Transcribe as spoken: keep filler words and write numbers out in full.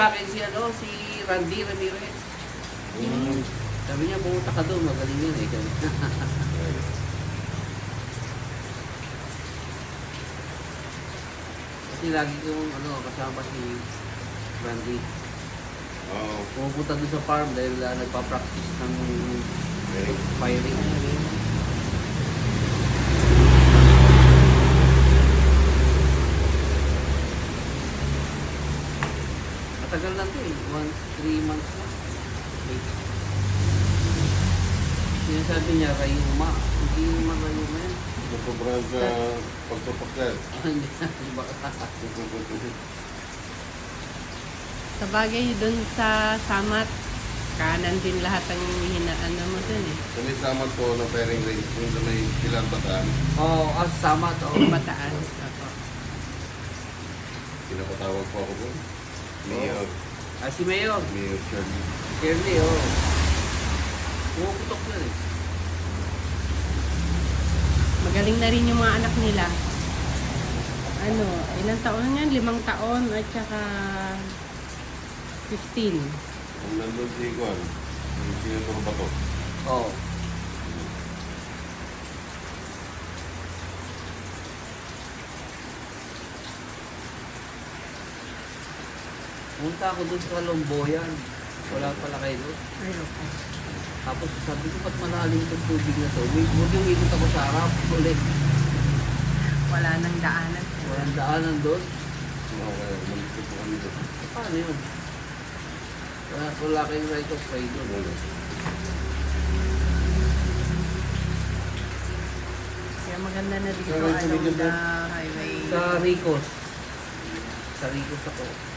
Akin si ano, si Randy Ramirez. Mm. Sabi niya, pumunta ka doon, magaling yan eh. Kasi lagi kong ano, kasama si Randy. Oo. Pumupunta doon sa farm dahil uh, nagpa-practice ng Very. firing. Matagal na ito eh. One, three months na. Okay. Sinasabi niya, Rayuma. Hindi naman Rayuma yan. Sobrang sa pagtupak yan. Ah, hindi. Baka. Sa bagay doon sa Samat, kanan din lahat ang hinaan mo dun eh. Sa may samat ko na pairing range, kung sa may ilang bataan, Oo, oh, ah, sama to. Bataan. Ako. pinapatawag po ako po. Mayor. Ah, si Mayor. Mayor Charlie. Shirley, oo. Oh. Pumuputok na eh. Magaling na rin yung mga anak nila. Ano, ilang taon na yan? Limang taon at saka fifteen. Kung nandun si Iguan, yung sinuturo ba to? Oo. Oh. Punta ako doon sa Lomboyan. Wala pala kayo doon. Ay, okay. Tapos sabi ko, ba't malalim itong tubig na to? Huwag yung ikot ako sa harap ulit. Wala nang daanan. Walang daanan doon. Okay, malikot po kami doon. Paano yun? Wala, wala kayong right of way doon. Wala. Kaya maganda na dito Sa right along of way the highway. Sa Ricos. Sa Ricos ako.